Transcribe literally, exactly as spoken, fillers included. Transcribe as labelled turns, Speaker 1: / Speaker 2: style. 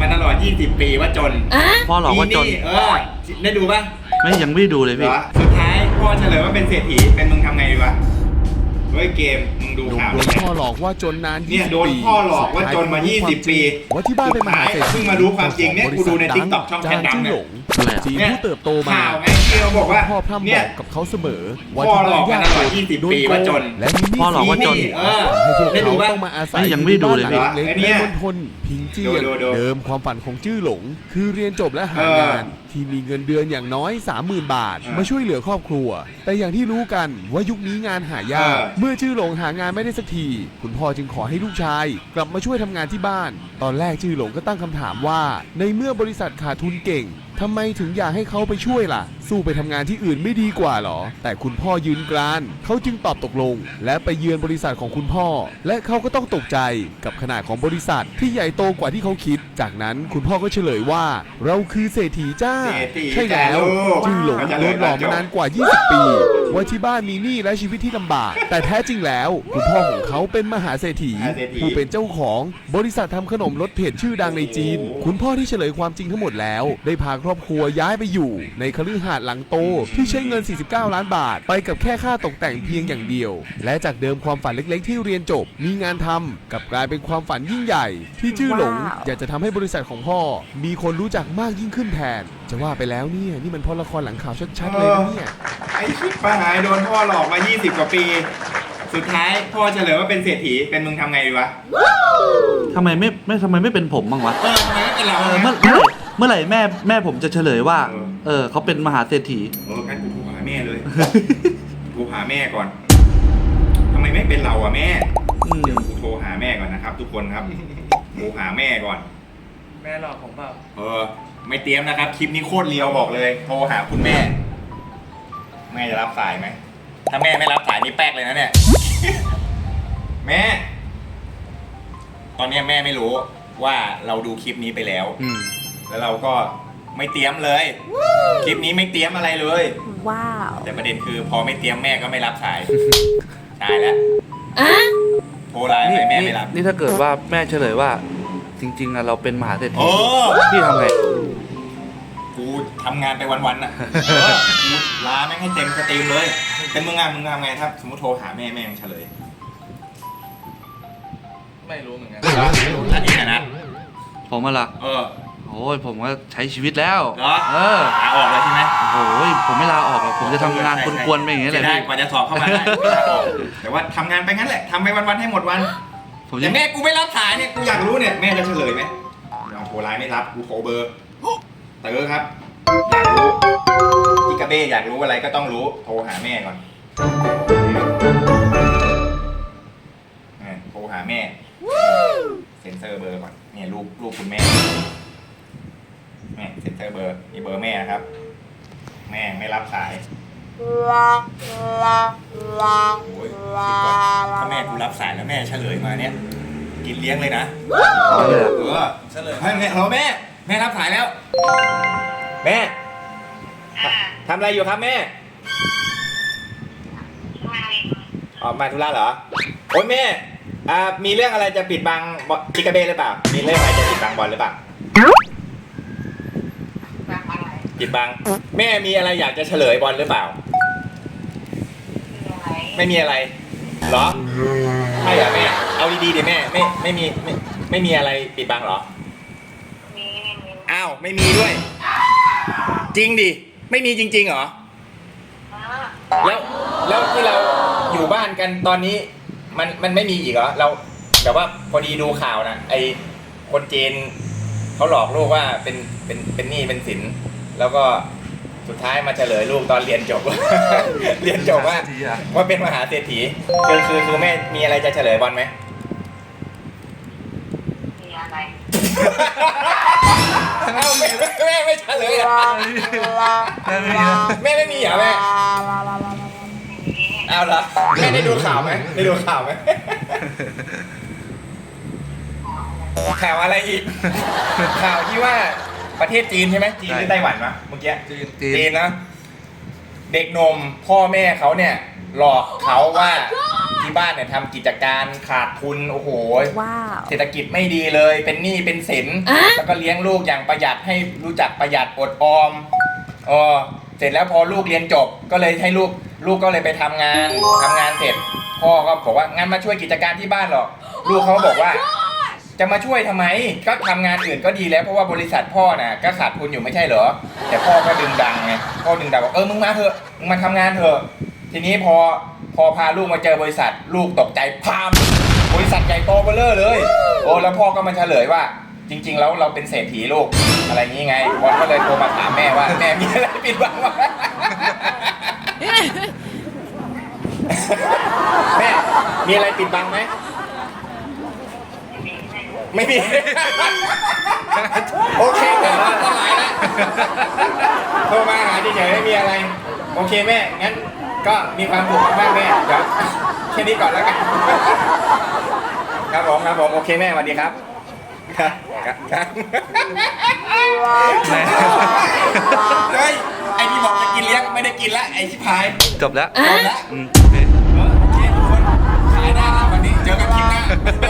Speaker 1: มาตลอดยี่สิบปีว่าจน
Speaker 2: พ่อหลอกว่าจน
Speaker 1: เออได้ดูป่ะ
Speaker 2: ไม่ยังไม่ดูเลยพี่
Speaker 1: สุดท้ายพ่อเฉลยว่าเป็นเศรษฐีเป็นมึงทำไงดีวะเฮ้ยเกมมึงดูข่าว
Speaker 3: โดนพ่อหลอกว่าจนนาน
Speaker 1: เนี่ยโดนพ่อหลอกว่าจนมายี่สิบปี
Speaker 3: ว่าที่บ้านเป็นมหาเศรษฐี
Speaker 1: เพิ่งมารู้ความจริงเนี่ยกูดูใน ติ๊กต็อก ช่องแคทดำเนี่ย
Speaker 3: จีนผู้เติบโตมา
Speaker 1: ข่าวไงที่เขาบอกว่า
Speaker 3: พ่อพร่ำบอกกับเขาเสมอ
Speaker 1: ว่าที่บ้านยากจนยี่สิบปีว่าจน
Speaker 3: และมีหนี้สินเออให้พวกเขาต้องมาอาศัย
Speaker 2: ยังไม่ดูเลยพี่
Speaker 3: เล็กในมณฑลพิงเจียนเดิมความฝันของจื้อหลงคือเรียนจบและหางานที่มีเงินเดือนอย่างน้อย สามหมื่น บาทมาช่วยเหลือครอบครัวแต่อย่างที่รู้กันว่ายุคนี้งานหายากเมื่อจื้อหลงหางานไม่ได้สักทีคุณพ่อจึงขอให้ลูกชายกลับมาช่วยทำงานที่บ้านตอนแรกจื้อหลงก็ตั้งคำถามว่าในเมื่อบริษัทขาดทุนเก่งทำไมถึงอยากให้เขาไปช่วยล่ะสู้ไปทำงานที่อื่นไม่ดีกว่าหรอแต่คุณพ่อยืนกรานเขาจึงตอบตกลงและไปเยือนบริษัทของคุณพ่อและเขาก็ต้องตกใจกับขนาดของบริษัทที่ใหญ่โตกว่าที่เขาคิดจากนั้นคุณพ่อก็เฉลยว่าเราคือเศรษฐีจ้าใช่แล้วจื้อหลงโดนหลอกมานานกว่ายี่สิบปีว่าที่บ้านมีหนี้และชีวิตที่ลำบากแต่แท้จริงแล้วคุณพ่อของเขาเป็นมหาเศรษฐีผู้เป็นเจ้าของบริษัททำขนมรสเผ็ดชื่อดังในจีนคุณพ่อที่เฉลยความจริงทั้งหมดแล้วได้พาครอบครัวย้ายไปอยู่ในคฤหาสน์หลังโตที่ใช้เงินสี่สิบเก้าล้านบาทไปกับแค่ค่าตกแต่งเพียงอย่างเดียวและจากเดิมความฝันเล็กๆที่เรียนจบมีงานทำกับกลายเป็นความฝันยิ่งใหญ่ที่จื้อหลงอยากจะทำให้บริษัทของพ่อมีคนรู้จักมากยิ่งขึ้นแทนจะว่าไปแล้วเนี่ยนี่มันเพราะละครหลังข่าวชัดๆเลยนะเนี่ย
Speaker 1: ไอ้ชิบปะหายโดนพ่อหลอกมายี่สิบกว่าปีสุดท้ายพ่อเฉลยว่าเป็นเศรษฐีเป็นมึงทำไงดีวะ
Speaker 2: ทำไมไม่ไม่ทำไมไม่เป็นผมบ้างวะ
Speaker 1: เออทำไมไม่เป็นเรา
Speaker 2: เมื่อเมื่อไหร่แม่แม่ผมจะเฉลยว่าเออเขาเป็นมหาเศรษฐี
Speaker 1: เอองั้นกูโทรหาแม่เลยกูหาแม่ก่อนทำไมไม่เป็นเราอะแม่เดี๋ยวกูโทรหาแม่ก่อนนะครับทุกคนครับกูหาแม่ก่อน
Speaker 4: แม่หลอกผมเปล่า
Speaker 1: เออไม่เตรียมนะครับคลิปนี้โคตรเลียวบอกเลยโทรหาคุณแม่แม่จะรับสายไหมถ้าแม่ไม่รับสายนี่แป๊กเลยนะเนี่ยแม่ตอนนี้แม่ไม่รู้ว่าเราดูคลิปนี้ไปแล้วแล้วเราก็ไม่เตรียมเลยคลิปนี้ไม่เตรียมอะไรเลยว้าวแต่ประเด็นคือพอไม่เตรียมแม่ก็ไม่รับสายตายแล้วโทรไลน์ไปแม่ไม่รับ
Speaker 2: นี่ถ้าเกิดว่าแม่เฉลยว่าจริงๆอะเราเป็นมหาเศรษฐีพี่ทำไง
Speaker 1: กูทำงานไปวันๆน่ะกูลาแม่งให้เต็มสตรีมเลยเป็นมึงงานมึงทำไงถ้าสมมติโทรหาแม่แม่ยังเฉลย
Speaker 4: ไม่รู้เหมือนกัน
Speaker 1: อันนี้นะ
Speaker 2: ผมอะล่ะ
Speaker 1: เออ
Speaker 2: โอ้ยผมก็ใช้ชีวิตแล้ว
Speaker 1: เหรอเออลาออกเลยใช่ไหม
Speaker 2: โอ้ยผมไม่ลาออกหรอกผมจะทำงานกวนๆไปอย่างเงี้ยแหละ
Speaker 1: ได้กว่าจะสอบเข้ามาได้แต่ว่าทำงานไปงั้นแหละทำไปวันๆให้หมดวันแต่แม่กูไม่รับสายเนี่ยกูอยากรู้เนี่ยแม่จะเฉลยไหมโทรไลน์ไม่รับกูโทรเบอร์เต๋อครับอยากรู้จิกาเบ้อยากรู้อะไรก็ต้องรู้โทรหาแม่ก่อนโทรหาแม่เซ็นเซอร์เบอร์ก่อนเนี่ยรูปรูปคุณแม่แม่เซ็นเซอร์เบอร์นี่เบอร์แม่นะครับแม่ไม่รับสายโอ้ยถ้าแม่กูรับสายแล้วแม่เฉลยมาเนี่ยกินเลี้ยงเลยนะเออเฉลยให้แม่เราแม่แม่รับสายแล้วแม่ทำอะไรอยู่ครับแม่ออกมาธุระเหรอโอ้ยแม่อ่ามีเรื่องอะไรจะปิดบังจิกาเบ้หรือเปล่ามีเรื่องอะไรจะปิดบังบอลหรือเปล่าปิดบังแม่มีอะไรอยากจะเฉลยบอลหรือเปล่าไม่มีอะไรเหรอใช่เหรอแม่เอาดีๆดิแม่ไม่ไม่มีไม่ไม่มีอะไรปิดบังเหรออ้าวไม่มีด้วยจริงดิไม่มีจริงๆเหรอแล้วแล้วที่เราอยู่บ้านกันตอนนี้มันมันไม่มีอีกเหรอเราแบบว่าพอดีดูข่าวนะไอคนจีนเขาหลอกลูกว่าเป็นเป็นเป็นหนี้เป็นสินแล้วก็สุดท้ายมาเฉลยลูกตอนเรียนจบ เรียนจบว่าว่าเป็นมหาเศรษฐีคือคือคือแม่มีอะไรจะเฉลยบอลไหมมีอะไรเอ้าแม่แม่ไม่เฉลยอ่ะแม่ไม่มีเหรอแม่เอาละแม่ได้ดูข่าวไหมได้ดูข่าวไหมข่าวอะไรอีกข่าวที่ว่าประเทศจีนใช่ไหมจีนหรือไต้หวันวะเมื่อกี้จีนจีนนะเด็กนมพ่อแม่เขาเนี่ยหลอกเขาว่าที่บ้านเนี่ยทำกิจการขาดทุนโอ้โห
Speaker 5: ว้าว
Speaker 1: เศรษฐกิจไม่ดีเลย เป็นหนี้เป็นสินแล้วก็เลี้ยงลูกอย่างประหยัดให้รู้จักประหยัดอดออมอ๋อเสร็จแล้วพอลูกเรียนจบก็เลยให้ลูกลูกก็เลยไปทำงานทำงานเสร็จพ่อก็บอกว่างั้นมาช่วยกิจการที่บ้านหรอลูกเขาบอกว่าจะมาช่วยทำไมก็ทำงานอื่นก็ดีแล้วเพราะว่าบริษัทพ่อน่ะก็ขาดทุนอยู่ไม่ใช่เหรอแต่พ่อก็ดึงดังไงพ่อดึงดังบอกเออมึงมาเถอะมึงมาทำงานเถอะทีนี้พอพอพาลูกมาเจอบริษัทลูกตกใจพามบริษัทใหญ่โตเบ้อเร่อเลยโอ้แล้วพ่อก็มาเฉลยว่าจริงๆแล้วเราเป็นเศรษฐีลูกอะไรอย่างงี้ไงบอลก็เลยโทรมาถามแม่ว่าแม่มีอะไรปิดบังวะแม่มีอะไรปิดบังไหมไม่มี โอเคแม่ก็หลายแล้วโทรมาหาเฉยๆไม่มีอะไรโอเคแม่งั้นก็มีความสุขมากแม่เดี๋ยวแค่นี้ก่อนแล้วกันครับผมครับผมโอเคแม่สวัสดีครับครับครับเฮ้ยไอ้ที่บอกจะกินเลี้ยงไม่ได้กินละไอ้ชิพาย
Speaker 2: จบแล้ว
Speaker 1: จบแล้ว
Speaker 2: อืมโอเค
Speaker 1: โอเคทุกคนขายได้แล้ววันนี้เจอกันคลิปหน้า